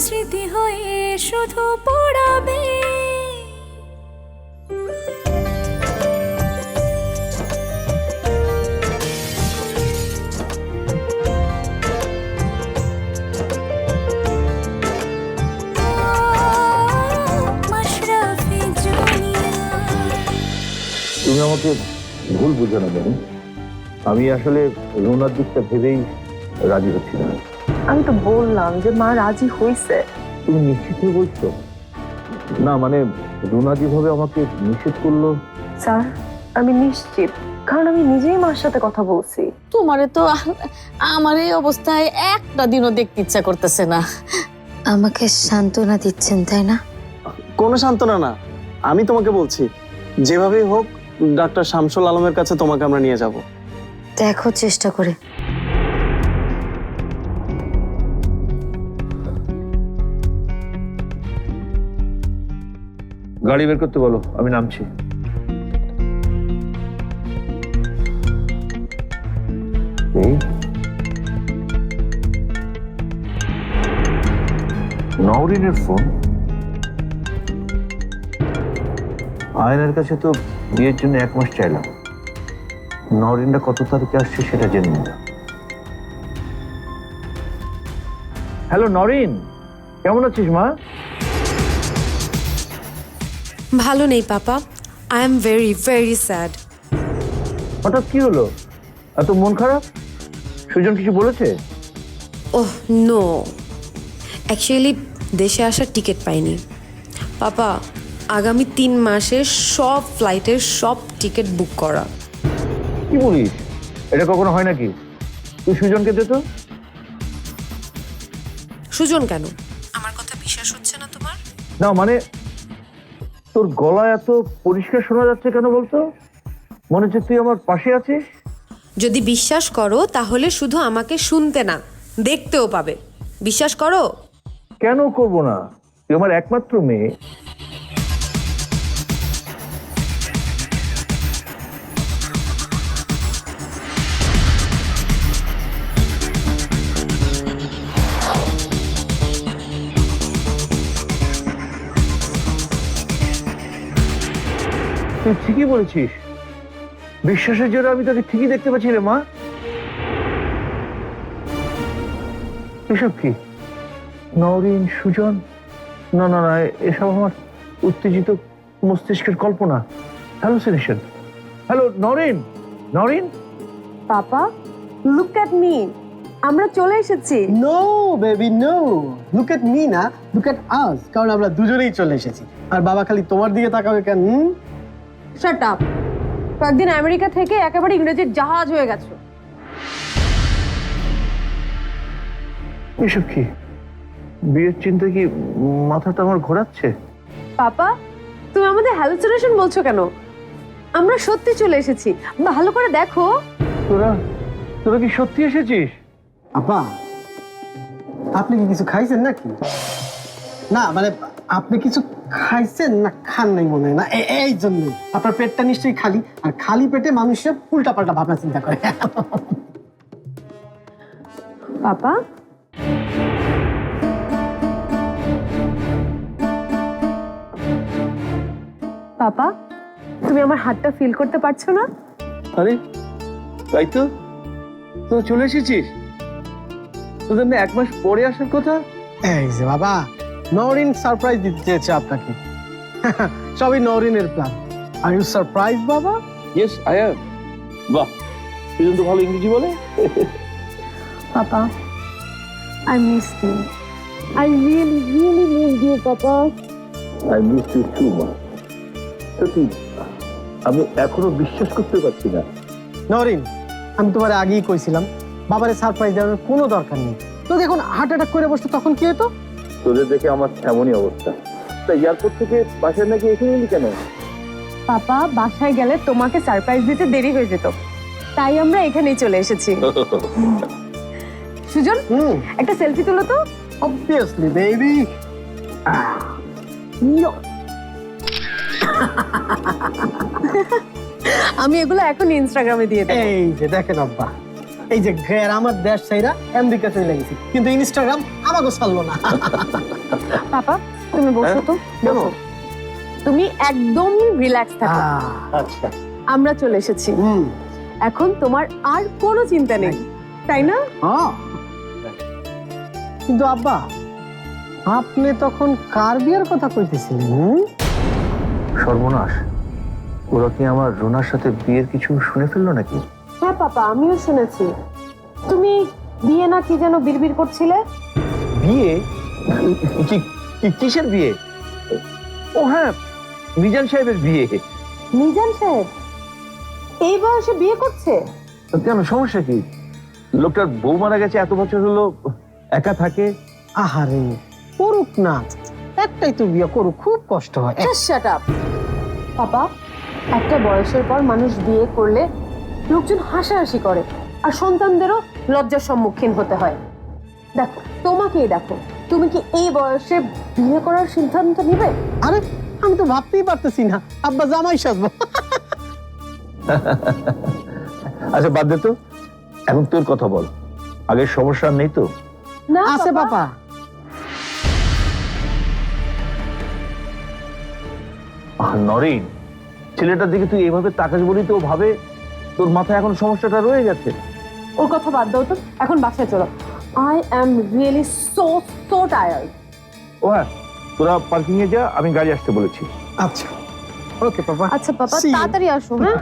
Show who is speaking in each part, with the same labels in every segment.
Speaker 1: স্মৃতি হয়ে শুধু পড়াবে। মাশরাফি জুনিয়া।
Speaker 2: তুমি আমাকে ভুল বুঝো না ম্যাডাম, আমি আসলে রুনার দিকটা ভেবেই রাজি হচ্ছি না।
Speaker 3: আমি তো বললাম যে মা রাজি হয়েছে।
Speaker 2: তুমি নিশ্চিত হয়ে বলছো? না মানে রুনা যেভাবে আমাকে নিষেধ করলো।
Speaker 3: স্যার আমি নিশ্চিত, কারণ আমি নিজেই মার সাথে কথা বলছি।
Speaker 4: তোমারে তো আমার এই অবস্থায় একটা দিনও দেখতে ইচ্ছা করতেছে না।
Speaker 5: আমাকে সান্ত্বনা দিচ্ছেন তাই না?
Speaker 6: কোনো সান্ত্বনা না, আমি তোমাকে বলছি যেভাবেই হোক ডাক্তার শামসুল আলমের কাছে তোমাকে আমরা নিয়ে যাব।
Speaker 5: দেখো চেষ্টা করে।
Speaker 2: গাড়ি বের করতে বলো, আমি নামছি। নওরিনের ফোন। আয়নের কাছে তো বিয়ের জন্য 1 মাস চাইলাম। নওরিনটা কত তারিখে আসছে সেটা জেনে নিলাম। হ্যালো নরিন, কেমন আছিস মা?
Speaker 7: ভালো নেই papa, I am very very sad.
Speaker 2: হঠাৎ কি হলো, এত মন খারাপ? সুজন কিছু বলেছে?
Speaker 7: ওহ নো, অ্যাকচুয়ালি দেশে আসার টিকিট পাইনি পাপা। আগামী 3 মাসের সব ফ্লাইটের সব টিকিট বুক করা।
Speaker 2: কি বলিস, এটা কখনো হয় নাকি? তুই সুজনকে দে তো।
Speaker 7: সুজন কেন? আমার কথা বিশ্বাস হচ্ছে না তোমার?
Speaker 2: না মানে তোর গলা এত পরিষ্কার শোনা যাচ্ছে কেন বলতো? মনে হচ্ছে তুই আমার পাশে আছিস।
Speaker 7: যদি বিশ্বাস করো তাহলে শুধু আমাকে শুনতে না, দেখতেও পাবে। বিশ্বাস করো।
Speaker 2: কেন করব না, তুই আমার একমাত্র মেয়ে। তুই ঠিকই বলেছিস, বিশ্বাসের জন্য আমি তোকে ঠিকই দেখতে পাচ্ছি রে মা। এসব কি? নওরিন, সুজন? না না না, এসব আমার উত্তেজিত মস্তিষ্কের কল্পনা, hallucination. Hello Nowrin, Nowrin.
Speaker 3: Papa look at me, আমরা চলে এসেছি।
Speaker 8: No baby no, look at me না, লুক এট আস, কারণ আমরা দুজনেই চলে এসেছি। আর বাবা খালি তোমার দিকে তাকাবে কেন?
Speaker 3: Shut up. কয়েকদিন আমেরিকা থেকে একেবারে ইংরেজির জাহাজ হয়ে গেছো।
Speaker 2: এসব কি? বিয়ের চিন্তা কি মাথাটা আমার ঘোরাচ্ছে?
Speaker 3: পাপা তুমি আমাদের হ্যালুসিনেশন বলছো কেন? আমরা সত্যি চলে এসেছি, ভালো করে দেখো।
Speaker 2: তোরা তোরা কি সত্যি এসেছিস?
Speaker 8: আপা আপনি কি কিছু খাইছেন নাকি? না মানে আপনি কিছু খাইছেন না খান নাই মনে হয় না, এই জন্য আপনার পেটটা নিশ্চয়ই খালি, আর খালি পেটে মানুষের উল্টা পাল্টা ভাবনা চিন্তা করে।
Speaker 3: পাপা পাপা তুমি আমার হাতটা ফিল করতে পারছো না?
Speaker 2: আরে তাই তো, তোরা চলে এসেছিস। তোদের না 1 মাস পরে আসার কথা।
Speaker 8: এই যে বাবা, নওরিন সারপ্রাইজ দিতে চেয়েছে আপনাকে। সবই নওরিনের প্ল্যান। আর ইউ সারপ্রাইজ বাবা?
Speaker 2: Yes I am. বাহ, সুজন তো ভালো ইংরেজি বলে।
Speaker 3: Papa I miss you, I really really miss you papa.
Speaker 2: I miss you two মা। সত্যি আমি এখনো বিশ্বাস করতে পারছি না।
Speaker 8: নওরিন, আমি তোমার আগেই কইছিলাম বাবারে সারপ্রাইজ দেওয়ার কোনো দরকার নেই। তো দেখুন হার্ট অ্যাটাক করে বসতো তখন কি হতো?
Speaker 2: তোদের দেখে আমার এমনই অবস্থা। তা এয়ারপোর্ট থেকে বাসায় নাকি এখানে এলি কেন?
Speaker 3: পাপা বাসায় গেলে তোমাকে সারপ্রাইজ দিতে দেরি হয়ে যেত, তাই আমরা এখানেই চলে এসেছি। সুজন একটা সেলফি তুলো তো।
Speaker 8: Obviously baby.
Speaker 3: আমি এগুলো এখন ইনস্টাগ্রামে দিয়ে দেব।
Speaker 8: এই যে দেখেন আব্বা, এই যে আমার দেশ ছাইরা আমেরিকা চলে গেছি, কিন্তু ইনস্টাগ্রাম আমাকে ছাড়লো না।
Speaker 3: পাপা তুমি বসো তো,
Speaker 8: কেন?
Speaker 3: বসো। তুমি একদম রিল্যাক্স থাকো,
Speaker 8: আচ্ছা।
Speaker 3: আমরা চলে এসেছি। এখন তোমার আর কোনো চিন্তা নেই, তাই না?
Speaker 8: কিন্তু আব্বা, আপনি তখন কার বিয়ের কথা কইতেছিলেন?
Speaker 2: সর্বনাশ, ওরা কি আমার রুনার সাথে বিয়ের কিছু শুনে ফেললো নাকি?
Speaker 3: হ্যাঁ পাপা, আমিও শুনেছি। তুমি বিয়ে না কি যেন বিড়বিড় করছিলে।
Speaker 2: বিয়ে? কিসের বিয়ে? ও হ্যাঁ, মিজান সাহেবের বিয়ে।
Speaker 3: মিজান সাহেব এই বয়সে বিয়ে করছে?
Speaker 2: কেন, সমস্যা কি? লোকটার বউ মারা গেছে, এত বছর হলো একা থাকে।
Speaker 8: আহারে, করুক না, একটাই তো বিয়ে করুক, খুব কষ্ট হয়।
Speaker 3: Shut up papa. একটা বয়সের পর মানুষ বিয়ে করলে লোকজন হাসাহাসি করে, আর সন্তানদেরও লজ্জার সম্মুখীন হতে হয়। দেখো, তোমাকেই দেখো, তুমি কি এই বয়সে বিয়ে করার সিদ্ধান্ত নিবে?
Speaker 8: আরে আমি তো ভাবতেই পারতেছি না আব্বা জামাই সাজবো।
Speaker 2: আচ্ছা বাদ দে তো, এখন তোর কথা বল। আগের সমস্যা নেই তো?
Speaker 3: না
Speaker 8: আছে বাবা।
Speaker 2: নরিন, ছেলেটার দিকে তুই এইভাবে তাকাস বলি তো ও ভাবে তোর মাথায় এখন সমস্যাটা রয়ে গেছে।
Speaker 3: ওর কথা বাদ দাও তো, এখন বাসায় চলো। I am really so tired.
Speaker 2: ও হ্যাঁ, তোরা পার্কিং এ যা, আমি গাড়ি আসতে বলেছি।
Speaker 8: আচ্ছা ওকে বাবা।
Speaker 3: আচ্ছা পাপা,
Speaker 8: See you.
Speaker 3: তাড়াতাড়ি আসো। হ্যাঁ,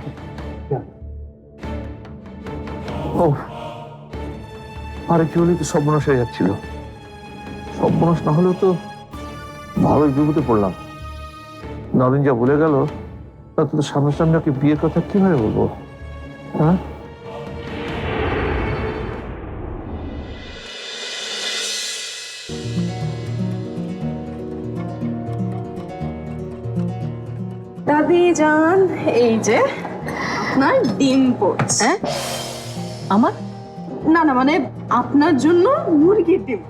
Speaker 2: ও আরে কি হলে তো সর্বনাশ হয়ে যাচ্ছিল। সর্বনাশ না হলেও তো ভালোই বিপদে পড়লাম। নরেন যা বলে গেল, তা তো সামনাসামনি ওকে বিয়ের কথা কিভাবে বলবো? হ্যাঁ,
Speaker 9: দাদি জান, এই যে আপনার ডিম পড়ছে।
Speaker 4: আমার
Speaker 9: না না, মানে আপনার জন্য মুরগির ডিম।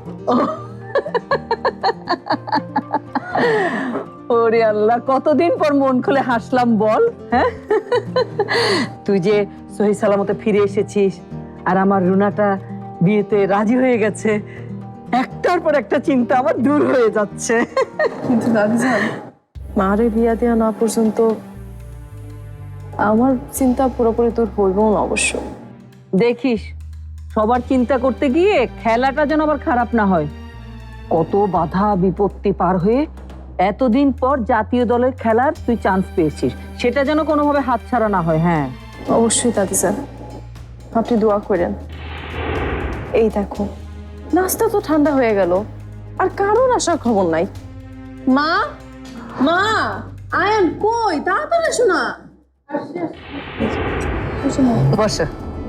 Speaker 4: ওরে আল্লাহ, কতদিন পর মন খুলে হাসলাম বল। হ্যাঁ, তুই যে সহি সালামতে ফিরে এসেছিস আর আমার রুনাটা বিয়েতে রাজি হয়ে গেছে, একটার পর একটা চিন্তা আমার দূর হয়ে যাচ্ছে।
Speaker 9: কিন্তু দাদি জান, মারে বিয়া দেওয়া না পর্যন্ত আমার চিন্তা পুরোপুরি দূর হইবও না অবশ্য।
Speaker 4: দেখিস, সবার চিন্তা করতে গিয়ে খেলাটা যেন আবার খারাপ না হয়। কত বাধা বিপত্তি পার হয়ে এতদিন পর জাতীয় দলের খেলার তুই চান্স পেয়েছিস, সেটা যেন কোনোভাবে হাতছাড়া না হয়। হ্যাঁ
Speaker 9: অবশ্যই দাদি জান, আপনি দোয়া করেন। এই দেখো, নাস্তা তো ঠান্ডা হয়ে গেল, আর কারোর আসার খবর নাই। মা, মা, আয়ান কই? তাড়াতাড়ি এসো না।
Speaker 4: বসো।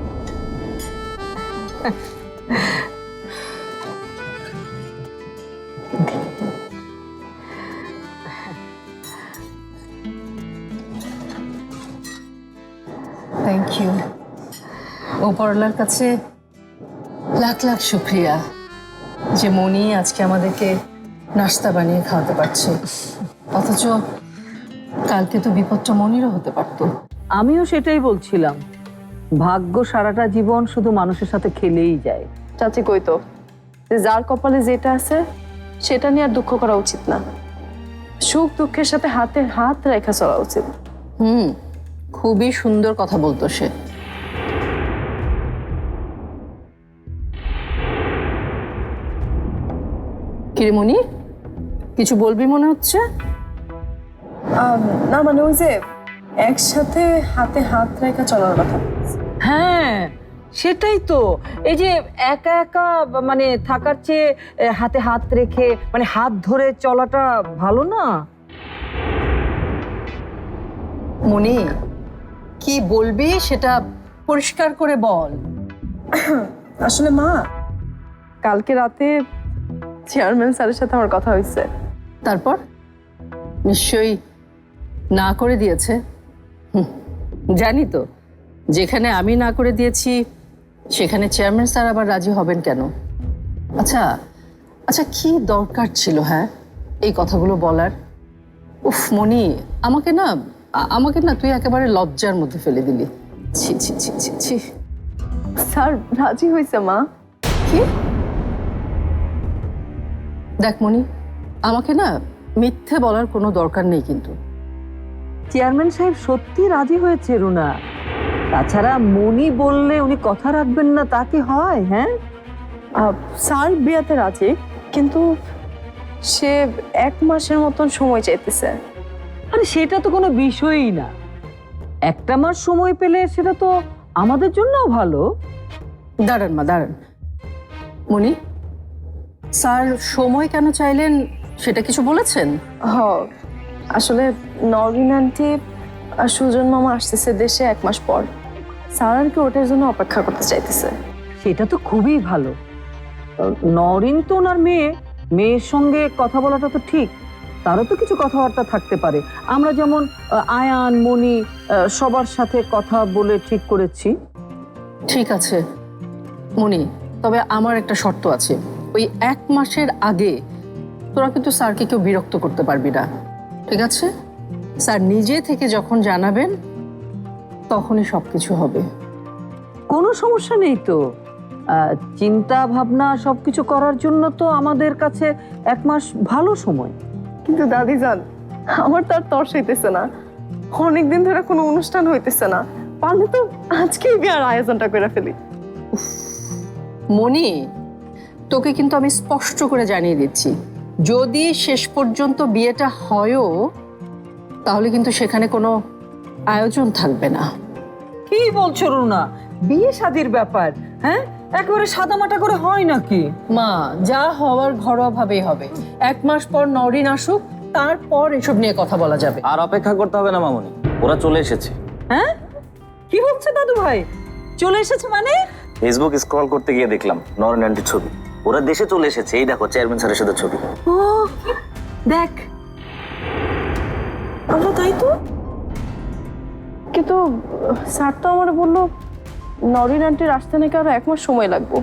Speaker 10: Thank you. ওপরওয়ালার কাছে লাখ লাখ শুক্রিয়া যে মনি আজকে আমাদেরকে নাস্তা বানিয়ে খাওয়াতে পারছে। অথচ কালকে তো বিপদটা মনিরও হতে পারতো।
Speaker 4: আমিও সেটাই বলছিলাম, ভাগ্য সারাটা জীবন শুধু মানুষের সাথে খেলেই যায়।
Speaker 9: চাচি কই তো, যে যার কপালে যেটা আছে সেটা নিয়ে আর দুঃখ করা উচিত না। সুখ দুঃখের সাথে হাতে হাত রেখা চলা উচিত।
Speaker 10: খুবই সুন্দর কথা বলতো সে। কিরে মনি, কিছু বলবি মনে হচ্ছে?
Speaker 9: না মানে ওই যে একসাথে হাতে হাত রেখা চলার কথা।
Speaker 4: হ্যাঁ সেটাই তো, এই যে একা একা মানে থাকার চেয়ে হাতে হাত রেখে মানে হাত ধরে চলাটা ভালো না?
Speaker 10: মনি, কি বলবি সেটা পরিষ্কার করে বল।
Speaker 9: আসলে মা, কালকে রাতে চেয়ারম্যান স্যারের সাথে আমার কথা হয়েছে।
Speaker 10: তারপর নিশ্চয়ই না করে দিয়েছে। জানি তো, যেখানে আমি না করে দিয়েছি সেখানে চেয়ারম্যান স্যার আবার রাজি হবেন কেন? আচ্ছা আচ্ছা, কি দরকার ছিল হ্যাঁ এই কথাগুলো বলার? উফ মনি, আমাকে না তুই একেবারে লজ্জার মধ্যে ফেলে দিলি। ছি ছি ছি ছি ছি।
Speaker 9: স্যার রাজি হয়েছে মা।
Speaker 10: কি? দেখ মনি, আমাকে না মিথ্যে বলার কোনো দরকার নেই কিন্তু।
Speaker 4: চেয়ারম্যান সাহেব সত্যি রাজি হয়েছে রুনা। তাছাড়া মনি বললে উনি কথা রাখবেন না তা কি হয়? হ্যাঁ,
Speaker 9: স্যার বিয়াতে রাজি, কিন্তু সে 1 মাসের মতন সময় চাইতেছে।
Speaker 4: আরে সেটা তো কোনো বিষয়ই না। 1 মাস সময় পেলে সেটা তো আমাদের জন্যও ভালো।
Speaker 10: দাঁড়ান মা, দাঁড়ান। মনি, স্যার সময় কেন চাইলেন সেটা কিছু বলেছেন?
Speaker 9: আসলে নরিন আন্টি আর সুজন মামা আসতেছে দেশে 1 মাস পর। স্যার আর কি ওটার জন্য অপেক্ষা করতে চাইতেছে।
Speaker 4: সেটা তো খুবই ভালো। নরিন তো ওনার মেয়ের সঙ্গে কথা বলাটা তো ঠিক। তারও তো কিছু কথাবার্তা থাকতে পারে। আমরা যেমন আয়ান, মনি সবার সাথে কথা বলে ঠিক করেছি।
Speaker 10: ঠিক আছে মনি, তবে আমার একটা শর্ত আছে। ওই 1 মাসের আগে তোরা কিন্তু স্যারকে কেউ বিরক্ত করতে পারবি না, ঠিক আছে? স্যার নিজে থেকে যখন জানাবেন তখনই সবকিছু হবে।
Speaker 4: কোনো সমস্যা নেই তো। চিন্তা ভাবনা সবকিছু করার জন্য তো আমাদের কাছে 1 মাস ভালো সময়।
Speaker 9: কিন্তু দাদি জান, আমার তো আর তর্স হইতেছে না। অনেকদিন ধরে কোনো অনুষ্ঠান হইতেছে না। পারলে তো আজকেই বিয়ার আয়োজনটা করে ফেলি।
Speaker 10: মনি, তোকে কিন্তু আমি স্পষ্ট করে জানিয়ে দিচ্ছি, যদি শেষ পর্যন্ত বিয়েটা হয়ও তাহলে কিন্তু সেখানে কোনো আয়োজন থাকবে না।
Speaker 4: কি বলছো রুনা? বিয়ে শাদির ব্যাপার, হ্যাঁ, একেবারে সাদামাটা করে হয় নাকি?
Speaker 10: মা, যা হওয়ার ঘরোয়া ভাবেই হবে। 1 মাস পর নরিন আসুক, তারপর এসব নিয়ে কথা বলা যাবে।
Speaker 11: আর অপেক্ষা করতে হবে না মামুনি, ওরা চলে এসেছে।
Speaker 4: হ্যাঁ, কি বলছে দাদু ভাই? চলে এসেছে মানে?
Speaker 11: ফেসবুক স্ক্রল করতে গিয়ে দেখলাম নরেন আন্টির ছবি। ওরা দেশে চলে এসেছে। এই দেখো চেয়ারম্যান স্যারের সাথে ছবি।
Speaker 4: ও দেখ,
Speaker 9: আমরা তাই তো। কিন্তু স্যার তো আমার বললো নরিন আন্টির আসতে নাকি আরো 1 মাস সময় লাগবে।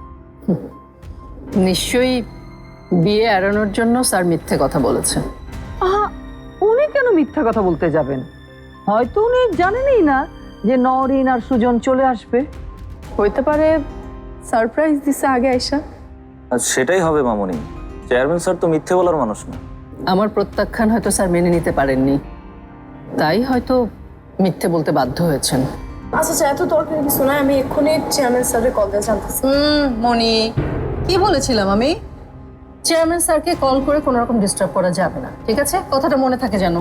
Speaker 10: নিশ্চয়ই বিয়ে এড়ানোর জন্য স্যার মিথ্যে কথা বলেছে।
Speaker 4: উনি কেন মিথ্যা কথা বলতে যাবেন? হয়তো উনি জানেনই না যে নরিন আর সুজন চলে আসবে।
Speaker 9: হইতে পারে সারপ্রাইজ দিছে আগে আইসা।
Speaker 11: আর সেটাই হবে মামুনি। চেয়ারম্যান স্যার তো মিথ্যে বলার মানুষ না।
Speaker 10: আমার প্রত্যাখ্যান হয়তো স্যার মেনে নিতে পারেননি, তাই হয়তো মিথ্যে বলতে বাধ্য হয়েছেন।
Speaker 9: আচ্ছা, এত দরকারি কিছু নয়। আমি এক্ষুনি চেয়ারম্যান স্যারের কল দিয়ে জানতেছি।
Speaker 10: মনি, কি বলেছিলাম আমি? চেয়ারম্যান স্যারকে কল করে কোনো রকম ডিস্টার্ব করা যাবে না, ঠিক আছে? কথাটা মনে থাকে যেন।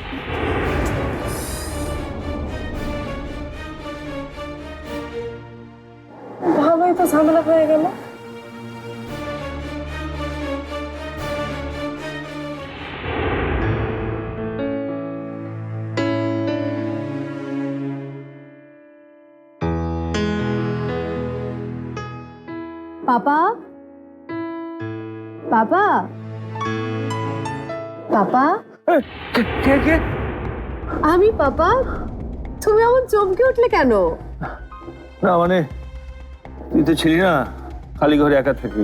Speaker 9: ভালোই তো ঝামেলা হয়ে গেল।
Speaker 3: পাপা, পাপা, পাপা,
Speaker 2: কে?
Speaker 3: আমি পাপা। তুমি এমন চমকে উঠলে কেন?
Speaker 2: না মানে তুই তো ছিলি না, খালি ঘরে একা থাকি।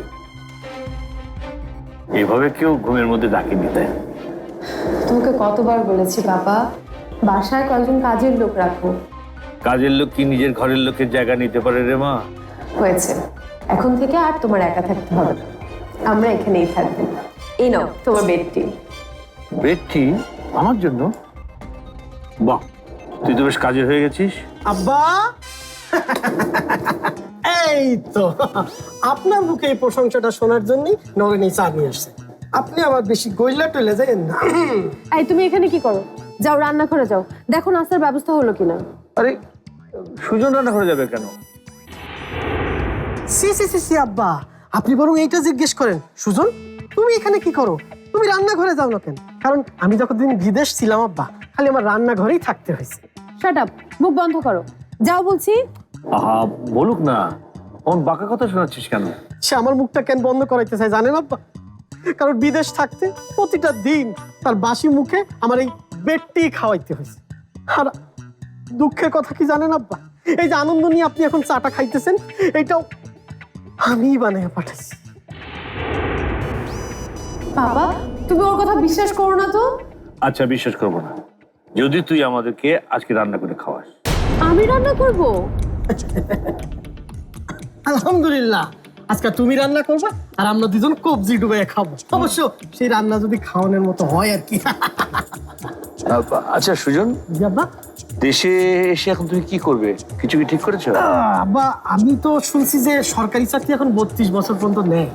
Speaker 2: এভাবে কেউ ঘুমের মধ্যে ডাকি দিতে।
Speaker 3: তোমাকে কতবার বলেছি বাবা, বাসায় কয়েকজন কাজের লোক রাখো।
Speaker 2: কাজের লোক কি নিজের ঘরের লোকের জায়গা নিতে পারে রে মা?
Speaker 3: হয়েছে, এখন থেকে আর তোমার একা থাকতে হবে না। আমরা এখানেই থাকবো। এই নাও তোমার বেডটি।
Speaker 2: বেডটি আমার জন্য? বাহ, তুই তো বেশ কাজের হয়ে গেছিস।
Speaker 8: আব্বা, এই তো আপনার মুখে এই প্রশংসাটা শোনার জন্যই নরেন এই চা নিয়ে আসছে। আপনি আবার বেশি গইলা টইলে যাবেন না।
Speaker 3: এই তুমি এখানে কি করো? যাও রান্নাঘরে যাও, দেখো নাস্তার ব্যবস্থা হলো কিনা।
Speaker 2: আরে সুজন রান্না করে যাবে কেন?
Speaker 8: সি আব্বা, আপনি বরং এইটা জিজ্ঞেস করেন, সুজন তুমি এখানে কি করো? তুমি রান্নাঘরে যাও না কেন? কারণ আমি যতদিন বিদেশ ছিলাম আব্বা, খালি আমার রান্নাঘরেই থাকতে হয়েছে।
Speaker 3: শাট আপ, মুখ বন্ধ করো, যাও বলছি।
Speaker 2: আহা বলুক না, অন বাঁকা কথা শোনাচ্ছিস কেন?
Speaker 8: সে আমার মুখটা কেন বন্ধ করাইতে চায় জানেন আব্বা? কারণ বিদেশ থাকতে প্রতিটা দিন তার বাসি মুখে আমার এই বেডটি খাওয়াইতে হয়েছে। আর দুঃখের কথা কি জানেন আব্বা? এই যে আনন্দ নিয়ে আপনি এখন চাটা খাইতেছেন, এইটাও আমি বানিয়ে পাঠাইছি।
Speaker 3: বাবা, তুমি ওর কথা বিশ্বাস করো না তো?
Speaker 2: আচ্ছা বিশ্বাস করবো না যদি তুই আমাদেরকে আজকে রান্না করে খাওয়াস।
Speaker 3: আমি রান্না করব?
Speaker 8: আলহামদুলিল্লাহ, আজকে তুমি রান্না করবা আর আমরা দুজন কবজি ডুবে খাবো। অবশ্য সেই রান্না যদি খাওয়ানোর মতো হয় আর কি।
Speaker 2: আচ্ছা সুজন,
Speaker 8: জি আব্বা।
Speaker 2: দেশে এসে এখন তুমি কি করবে? কিছু কি ঠিক করেছো?
Speaker 8: আব্বা, আমি তো শুনছি যে সরকারি চাকরি এখন 32 বছর পর্যন্ত নেয়।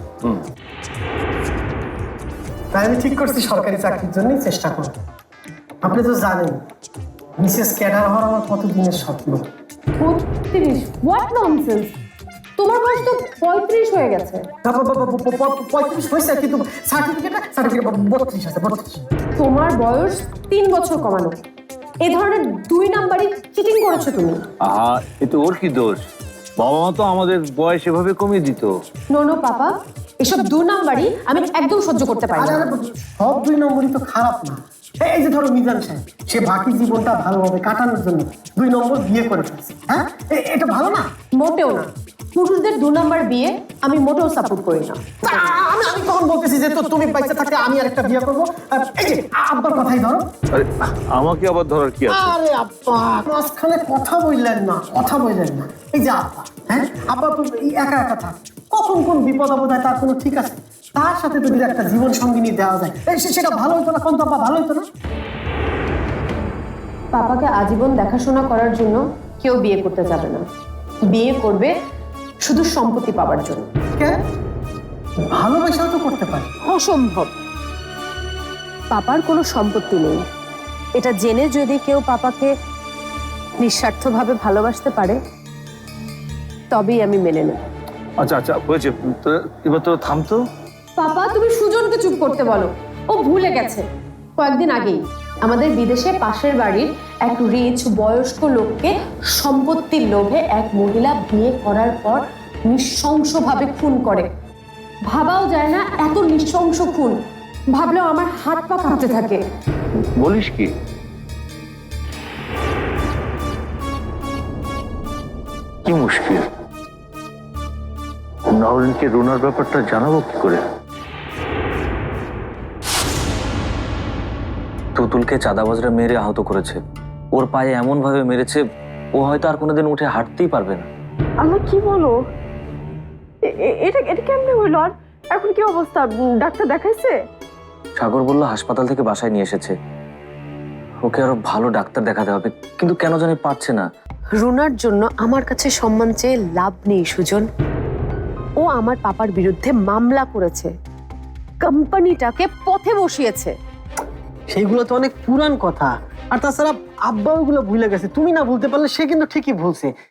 Speaker 8: তাই আমি ঠিক করছি সরকারি চাকরির জন্যই চেষ্টা করব। আপনি তো জানেন বিশেষ ক্যাডার হওয়ার আমার কত দিনের স্বপ্ন।
Speaker 3: 32? What nonsense! তোমার বয়স তো 35 হয়ে গেছে।
Speaker 8: 35 হয়েছে, কিন্তু সার্টিফিকেট 32 আছে, 32।
Speaker 3: তোমার বয়স 3 বছর কমানো। এই ধরনের 2 নাম্বারই চিটিং করেছো তুমি।
Speaker 2: আহা, এ তো ওর কি দোষ? বাবা মা তো আমাদের বয়স এভাবে কমিয়ে দিত।
Speaker 3: নো পাপা, এসব 2 নাম্বারই আমি একদম সহ্য করতে পারি না।
Speaker 8: সব 2 নম্বরই তো খারাপ না। এই যে ধরো মিজান সাহেব, সে বাকি জীবনটা ভালোভাবে কাটানোর জন্য 2 নম্বর বিয়ে করে ফেলছে। হ্যাঁ, এটা ভালো না?
Speaker 3: মোটেও না। পুরুষদের 2 নাম্বার বিয়ে আমি মোটেও সাপোর্ট করি না।
Speaker 8: আমি কখন বলতেছি যে তো তুমি বাইসে থাকতে আমি আরেকটা বিয়ে করবো? এই যে আব্বার কথাই ধরো।
Speaker 2: আরে আমাকে আবার ধরার কি আছে?
Speaker 8: আরে আব্বা, মাঝখানে কথা বললেন না, কথা বললেন না। এই যে আব্বা, হ্যাঁ আব্বা তো একা একা থাক, কখন কোন বিপদ আপদ হয় তার কোনো ঠিক আছে? তার সাথে যদি একটা জীবন সঙ্গিনী দেওয়া যায়, সেটা ভালো হতো না? কোন তো আব্বা ভালো হতো না?
Speaker 3: পাপাকে আজীবন দেখাশোনা করার জন্য কেউ বিয়ে করতে যাবে না। বিয়ে করবে শুধু সম্পত্তি পাওয়ার জন্য।
Speaker 8: কেন? ভালোবাসাও তো করতে পারে।
Speaker 3: অসম্ভব। পাপার কোনো সম্পত্তি নেই, এটা জেনে যদি কেউ পাপাকে নিঃস্বার্থভাবে ভালোবাসতে পারে তবেই আমি মেনে নেব।
Speaker 2: আচ্ছা আচ্ছা, হয়েছে, এবার তো থামতো।
Speaker 3: পাপা, তুমি সুজনকে চুপ করতে বলো। ও ভুলে গেছে কয়েকদিন আগেই আমাদের বিদেশে পাশের বাড়ির এক রিচ বয়স্ক লোককে সম্পত্তির লোভে এক মহিলা বিয়ে করার পর নৃশংসভাবে খুন করে। ভাবাও যায় না এত নৃশংস খুন। ভাবলেও আমার হাত পা কাঁপতে থাকে।
Speaker 2: বলিস কি? কি মুশকিল, নরেনকে রুনার ব্যাপারটা জানাবো কি করে?
Speaker 11: তুতুলকে চাঁদাবাজরা মেরে আহত করেছে, ওর পায়ে এমন ভাবে মেরেছে ও হয়তো আর কোনোদিন উঠে হাঁটতেই পারবে না।
Speaker 9: আল্লাহ, কি বলো? এটা এটা কেমনে হইলো? আর এখন কি অবস্থা? ডাক্তার দেখাইছে?
Speaker 11: সাগর বলল হাসপাতাল থেকে বাসায় নিয়ে এসেছে, ওকে আরো ভালো ডাক্তার দেখাতে হবে, কিন্তু কেন জানি পারছে না।
Speaker 3: রুনার জন্য আমার কাছে সম্মান চেয়ে লাভ নেই সুজন। ও আমার পাপার বিরুদ্ধে মামলা করেছে, কোম্পানিটাকে পথে বসিয়েছে।
Speaker 8: সেইগুলো তো অনেক পুরান কথা। আর তাছাড়া আব্বা ওগুলো ভুলে গেছে, তুমি না ভুলতে পারলে সে কিন্তু ঠিকই ভুলছে।